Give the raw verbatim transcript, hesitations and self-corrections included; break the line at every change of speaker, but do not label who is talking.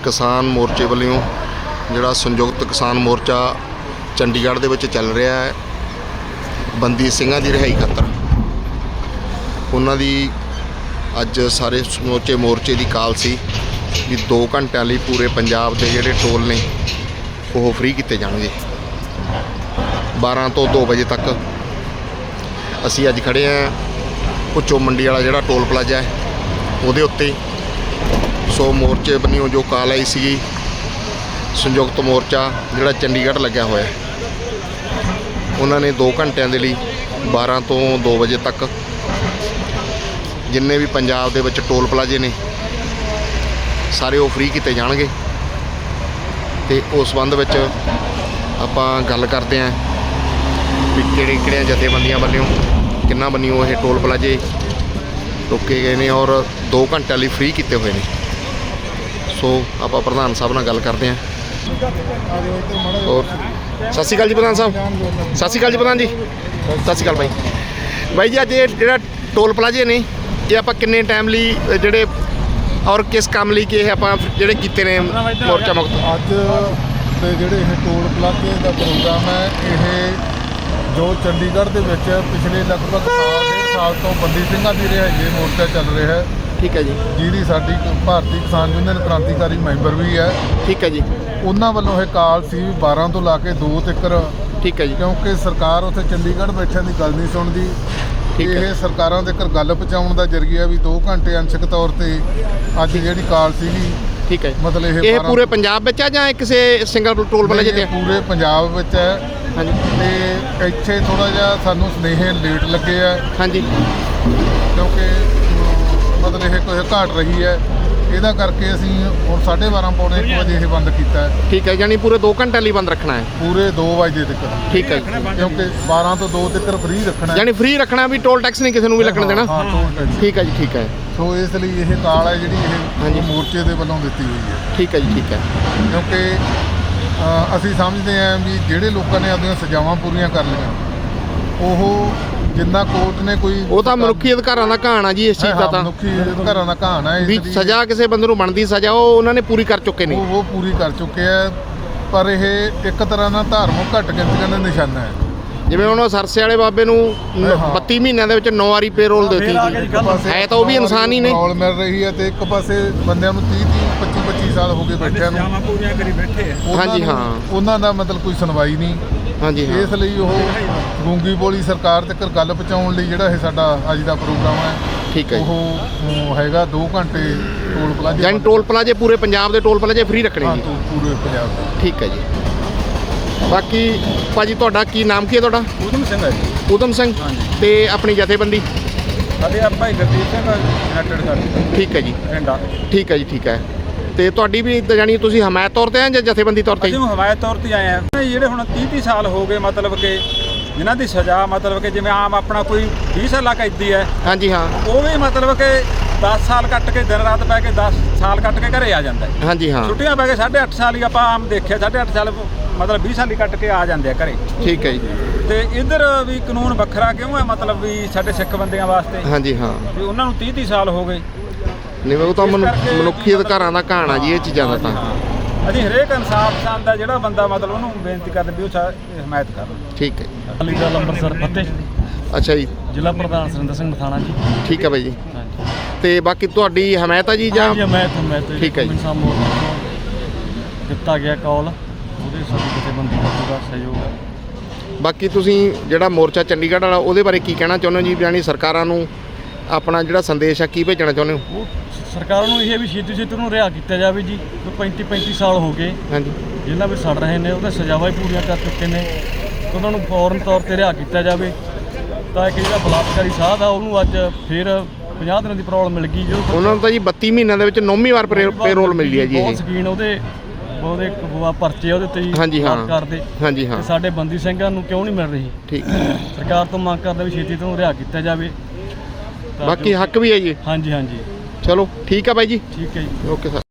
किसान मोर्चे वालों जिहड़ा संयुक्त किसान मोर्चा चंडीगढ़ दे विच चल रहा है बंदी ਸਿੰਘਾਂ ਦੀ रिहाई खातर उन्हां दी अज सारे समूचे मोर्चे की काल सी भी दो घंटिਆਂ ਲਈ पूरे पंजाब के जिहड़े टोल ने वो फ्री किए जाणगे बारह तो दो बजे तक। असी अज खड़े हैं भुच्चो मंडी वाला जिहड़ा टोल प्लाजा है उहदे उत्ते। सो मोर्चे बनियों जो काल आई सी संयुक्त मोर्चा जिहड़ा चंडीगढ़ लग्या होया उन्होंने दो घंटिਆਂ ਦੇ ਲਈ बारह तो दो बजे तक जिन्ने भी पंजाब दे विच टोल प्लाजे ने सारे वो फ्री किए जाणगे। ते उस संबंध विच आपां गल करते हैं भी किहड़े किहड़ियां जथेबंदियां वालों किन्ना बनियों ये टोल प्लाजे रोके गए हैं और दो घंटे लिए फ्री किए हुए हैं। सो आप प्रधान साहब नाल गल करते हैं। और सत श्री अकाल जी प्रधान साहब। सत श्री अकाल जी प्रधान जी। सत श्री अकाल भाई भाई जी अज ये टोल प्लाजे ने ये आप किन्ने टाइम लिए जेडे और किस काम लिए कि आप जेडे कीते ने मोर्चा मुक्त
अज दे जेडे ये टोल प्लाजे का प्रोग्राम है ये जो चंडीगढ़ के विच पिछले लगभग साल डेढ़ साल तो बंदी ਸਿੰਘਾਂ ਦੀ रिहाई मोर्चा चल रहा है।
ठीक है जी।
जिहदी साडी भारतीय किसान यूनियन क्रांतिकारी मैंबर भी है।
ठीक है जी। उन्हां
वल्लों ये काल सी बारह तो ला के दो तक।
ठीक है जी।
क्योंकि सरकार उत्थे चंडीगढ़ बैठिਆਂ ਦੀ गल नहीं सुनती। ਇਹ ਸਰਕਾਰਾਂ ਦੇ ਘਰ ਗੱਲ ਪਹੁੰਚਾਉਣ ਦਾ ਜਰੀਆ ਵੀ दो घंटे अंशक तौर ਤੇ ਅੱਜ ਜਿਹੜੀ ਕਾਲ ਸੀਗੀ।
ठीक है।
मतलब
ਇਹ ਪੂਰੇ ਪੰਜਾਬ ਵਿੱਚ ਆ ਜਾਂ ਕਿਸੇ ਸਿੰਗਲ ਟੋਲ ਪਲਾਜ਼ੇ ਤੇ?
ਪੂਰੇ ਪੰਜਾਬ ਵਿੱਚ ਹੈ।
ਹਾਂਜੀ।
ਤੇ ਇੱਥੇ ਥੋੜਾ ਜਿਹਾ ਸਾਨੂੰ ਸੁਨੇਹੇ ਲੇਟ ਲੱਗੇ ਆ।
ਹਾਂਜੀ।
ਕਿਉਂਕਿ मतलब ਇਹ ਕੋਈ ਘਾਟ ਰਹੀ ਹੈ ਇਹਦਾ ਕਰਕੇ ਅਸੀਂ ਹੁਣ साढ़े बारह पौने एक ਵਜੇ ਇਹ ਬੰਦ ਕੀਤਾ ਹੈ।
ठीक है यानी पूरे दो घंटे लिए बंद रखना है?
पूरे दो बजे तक।
ठीक है।
क्योंकि बारह तो दो तक फ्री रखना है।
यानी फ्री रखना भी टोल टैक्स नहीं किसी को भी लगन देना?
हाँ टोल टैक्स।
ठीक है जी। ठीक है।
सो इसलिए ये काल है जी ये मोर्चे के वालों दी हुई है।
ठीक है जी। ठीक है।
क्योंकि असी समझते हैं भी ਜਿਹੜੇ ਲੋਕਾਂ ਨੇ ਆਪਣੀਆਂ ਸਜ਼ਾਵਾਂ ਪੂਰੀਆਂ ਕਰ ਲਈਆਂ ਉਹ ਜਿੰਨਾ ਕੋਰਟ ਨੇ ਕੋਈ
ਉਹ ਤਾਂ ਮਨੁੱਖੀ ਅਧਿਕਾਰਾਂ ਦਾ ਘਾਣ ਆ ਜੀ ਇਸ ਚੀਜ਼ ਦਾ ਤਾਂ
ਮਨੁੱਖੀ ਅਧਿਕਾਰਾਂ ਦਾ ਘਾਣ ਹੈ।
ਵੀ ਸਜ਼ਾ ਕਿਸੇ ਬੰਦੇ ਨੂੰ ਬਣਦੀ ਸਜ਼ਾ ਉਹ ਉਹਨਾਂ ਨੇ ਪੂਰੀ ਕਰ ਚੁੱਕੇ ਨੇ।
ਉਹ ਪੂਰੀ ਕਰ ਚੁੱਕੇ ਆ ਪਰ ਇਹ ਇੱਕ ਤਰ੍ਹਾਂ ਨਾਲ ਧਾਰਮਿਕ ਘੱਟ ਗਿਣਤੀਆਂ ਦਾ ਨਿਸ਼ਾਨਾ ਹੈ।
ਜਿਵੇਂ ਹੁਣ ਸਰਸੇ ਵਾਲੇ ਬਾਬੇ ਨੂੰ ਬੱਤੀ ਮਹੀਨਿਆਂ ਦੇ ਵਿੱਚ ਨੌ ਵਾਰੀ ਪੇਰੋਲ ਦਿੱਤੀ ਹੈ ਤਾਂ ਉਹ ਵੀ ਇਨਸਾਨ ਹੀ ਨੇ।
ਪੇਰੋਲ ਮਿਲ ਰਹੀ ਹੈ ਤੇ ਇੱਕ ਪਾਸੇ ਬੰਦਿਆਂ ਨੂੰ तीस तीस पच्चीस पच्चीस ਸਾਲ ਹੋ ਗਏ ਬੈਠਿਆਂ ਨੂੰ
ਪੂਰੀਆਂ ਕਰੀ ਬੈਠੇ ਆ।
ਹਾਂਜੀ ਹਾਂ।
ਉਹਨਾਂ ਦਾ ਮਤਲਬ ਕੋਈ ਸੁਣਵਾਈ ਨਹੀਂ।
ਹਾਂਜੀ ਹਾਂ।
ਇਸ ਲਈ ਉਹ ਗੂੰਗੀ ਬੋਲੀ ਸਰਕਾਰ ਤੱਕ ਗੱਲ ਪਹੁੰਚਾਉਣ ਲਈ ਜਿਹੜਾ ਇਹ ਸਾਡਾ ਅੱਜ ਦਾ ਪ੍ਰੋਗਰਾਮ ਹੈ।
ਠੀਕ ਹੈ।
ਉਹ ਹੈਗਾ दो ਘੰਟੇ ਟੋਲ ਪਲਾਜ਼ੇ
ਯਾਨੀ ਟੋਲ ਪਲਾਜ਼ੇ ਪੂਰੇ ਪੰਜਾਬ ਦੇ ਟੋਲ ਪਲਾਜ਼ੇ ਫ੍ਰੀ ਰੱਖਣੇ ਜੀ?
ਪੂਰੇ ਪੰਜਾਬ ਦੇ।
ਠੀਕ ਹੈ ਜੀ। ਬਾਕੀ ਭਾਜੀ ਤੁਹਾਡਾ ਕੀ ਨਾਮ ਕੀ ਹੈ ਤੁਹਾਡਾ?
ਊਧਮ ਸਿੰਘ ਹੈ ਜੀ।
ਊਧਮ ਸਿੰਘ। ਤੇ ਆਪਣੀ ਜਥੇਬੰਦੀ?
ਸਾਡੇ ਆ ਭਾਈ ਗੁਰਦੀਪ ਸਿੰਘ ਯੂਨਾਈਟਿਡ ਸਾਡੀ।
ਠੀਕ ਹੈ ਜੀ।
ਪਿੰਡਾ।
ਠੀਕ ਹੈ ਜੀ। ਠੀਕ ਹੈ। ਤੇ ਤੁਹਾਡੀ ਵੀ ਜਾਨੀ ਤੁਸੀਂ ਹਮਾਇਤ ਤੌਰ ਤੇ ਆ ਜਾਂ ਜਥੇਬੰਦੀ ਤੌਰ ਤੇ?
ਅਸੀਂ ਹਮਾਇਤ ਤੌਰ ਤੇ ਆਏ ਆ। ਜਿਹੜੇ ਹੁਣ तीस तीस ਸਾਲ ਹੋ ਗਏ ਮਤਲਬ ਕਿ ਜਿਨ੍ਹਾਂ ਦੀ ਸਜ਼ਾ ਮਤਲਬ ਕਿ ਜਿਵੇਂ ਆਮ ਆਪਣਾ ਕੋਈ बीस ਸਾਲਾਂ ਕੈਦੀ ਹੈ।
ਹਾਂਜੀ ਹਾਂ।
ਉਹ ਵੀ ਮਤਲਬ ਕਿ दस ਸਾਲ ਕੱਟ ਕੇ ਦਿਨ ਰਾਤ ਪੈ ਕੇ दस ਸਾਲ ਕੱਟ ਕੇ ਘਰੇ ਆ ਜਾਂਦਾ ਹੈ।
ਹਾਂਜੀ ਹਾਂ।
ਛੁੱਟੀਆਂ ਪੈ ਕੇ साढ़े आठ ਸਾਲ ਹੀ ਆਪਾਂ ਆਮ ਦੇਖਿਆ साढ़े आठ ਸਾਲ ਮਤਲਬ बीस ਸਾਲ ਹੀ ਕੱਟ ਕੇ ਆ ਜਾਂਦੇ ਆ ਘਰੇ।
ਠੀਕ ਹੈ ਜੀ।
ਤੇ ਇੱਧਰ ਵੀ ਕਾਨੂੰਨ ਵੱਖਰਾ ਕਿਉਂ ਹੈ ਮਤਲਬ ਵੀ ਸਾਡੇ ਸਿੱਖ ਬੰਦਿਆਂ ਵਾਸਤੇ?
ਹਾਂਜੀ ਹਾਂ।
ਵੀ ਉਹਨਾਂ ਨੂੰ तीस तीस ਸਾਲ ਹੋ ਗਏ।
ਨਹੀਂ ਉਹ ਤਾਂ ਮਨੁੱਖੀ ਅਧਿਕਾਰਾਂ ਦਾ ਘਾਣ ਆ ਜੀ ਇਹ ਚੀਜ਼ਾਂ ਦਾ ਤਾਂ।
ਅਸੀਂ ਹਰੇਕ ਇਨਸਾਫ ਪਸੰਦ ਦਾ ਜਿਹੜਾ ਬੰਦਾ ਮਤਲਬ ਉਹਨੂੰ ਬੇਨਤੀ ਕਰਦੇ ਵੀ ਉਹ ਹਮਾਇਤ ਕਰ।
ਠੀਕ ਹੈ।
ਅਲੀ ਦਾ ਅੰਮ੍ਰਿਤਸਰ ਫਤਿਹ।
ਅੱਛਾ ਜੀ।
ਜ਼ਿਲ੍ਹਾ ਪ੍ਰਧਾਨ ਸੁਰਿੰਦਰ ਸਿੰਘ ਮਥਾਣਾ ਜੀ।
ਠੀਕ ਹੈ ਬਾਈ ਜੀ।
ਹਾਂਜੀ।
ਤੇ ਬਾਕੀ ਤੁਹਾਡੀ ਹਮਾਇਤ ਆ ਜੀ ਜਾਂ?
ਜੀ ਮੈਂ ਤਾਂ ਮੈਂ ਤਾਂ
ਠੀਕ ਹੈ ਜੀ।
ਦਿੱਤਾ ਗਿਆ ਕਾਲ ਉਹਦੇ ਸਾਡੀ ਜਥੇਬੰਦੀ ਦਾ ਪੂਰਾ ਸਹਿਯੋਗ ਹੈ।
ਬਾਕੀ ਤੁਸੀਂ ਜਿਹੜਾ ਮੋਰਚਾ ਚੰਡੀਗੜ੍ਹ ਵਾਲਾ ਉਹਦੇ ਬਾਰੇ ਕੀ ਕਹਿਣਾ ਚਾਹੁੰਦੇ ਹੋ ਜੀ? ਯਾਨੀ ਸਰਕਾਰਾਂ ਨੂੰ ਆਪਣਾ ਜਿਹੜਾ ਸੰਦੇਸ਼ ਆ ਕੀ ਭੇਜਣਾ ਚਾਹੁੰਦੇ ਹੋ?
ਉਹ ਸਰਕਾਰਾਂ ਨੂੰ ਇਹ ਵੀ ਛੇਤੀ ਛੇਤੀ ਨੂੰ ਰਿਹਾ ਕੀਤਾ ਜਾਵੇ ਜੀ। ਪੈਂਤੀ ਪੈਂਤੀ ਸਾਲ ਹੋ ਗਏ
ਹਾਂਜੀ
ਜਿਨ੍ਹਾਂ ਵੀ ਸੜ ਰਹੇ ਨੇ ਉਹਦੇ ਸਜ਼ਾਵਾਂ ਹੀ ਪੂਰੀਆਂ ਕਰ ਚੁੱਕੇ ਨੇ। ਉਹਨਾਂ ਨੂੰ ਫੌਰਨ ਤੌਰ ਤੇ ਰਿਹਾ ਕੀਤਾ ਜਾਵੇ ਤਾਂ ਕਿ ਜਿਹੜਾ ਬਲਾਤਕਾਰੀ ਸਾਧ ਆ ਉਹਨੂੰ ਅੱਜ ਫਿਰ ਪੰਜਾਹ ਦਿਨਾਂ ਦੀ ਪ੍ਰੋਬਲਮ ਮਿਲ ਗਈ। ਜੋ
ਉਹਨਾਂ ਨੂੰ ਤਾਂ ਜੀ ਬੱਤੀ ਮਹੀਨਿਆਂ ਦੇ ਵਿੱਚ ਨੌਵੀਂ ਵਾਰ ਪੇਰੋਲ ਮਿਲੀ ਹੈ ਜੀ।
ਬਹੁਤ ਸਕੀਨ ਉਹਦੇ ਉਹਦੇ ਪਰਚੇ ਉਹਦੇ ਤੇ
ਹਾਂਜੀ ਹਾਂ
ਕਰਦੇ।
ਹਾਂਜੀ ਹਾਂ।
ਸਾਡੇ ਬੰਦੀ ਸਿੰਘਾਂ ਨੂੰ ਕਿਉਂ ਨਹੀਂ ਮਿਲ ਰਹੀ?
ਠੀਕ।
ਸਰਕਾਰ ਤੋਂ ਮੰਗ ਕਰਦੇ ਵੀ ਛੇਤੀ ਤੋਂ ਰਿਹਾ ਕੀਤਾ ਜਾਵੇ।
ਬਾਕੀ ਹੱਕ ਵੀ ਹੈ ਜੀ।
ਹਾਂਜੀ ਹਾਂਜੀ।
ਚਲੋ ਠੀਕ ਹੈ ਬਾਈ ਜੀ।
ਠੀਕ ਹੈ ਜੀ।
Okay sir.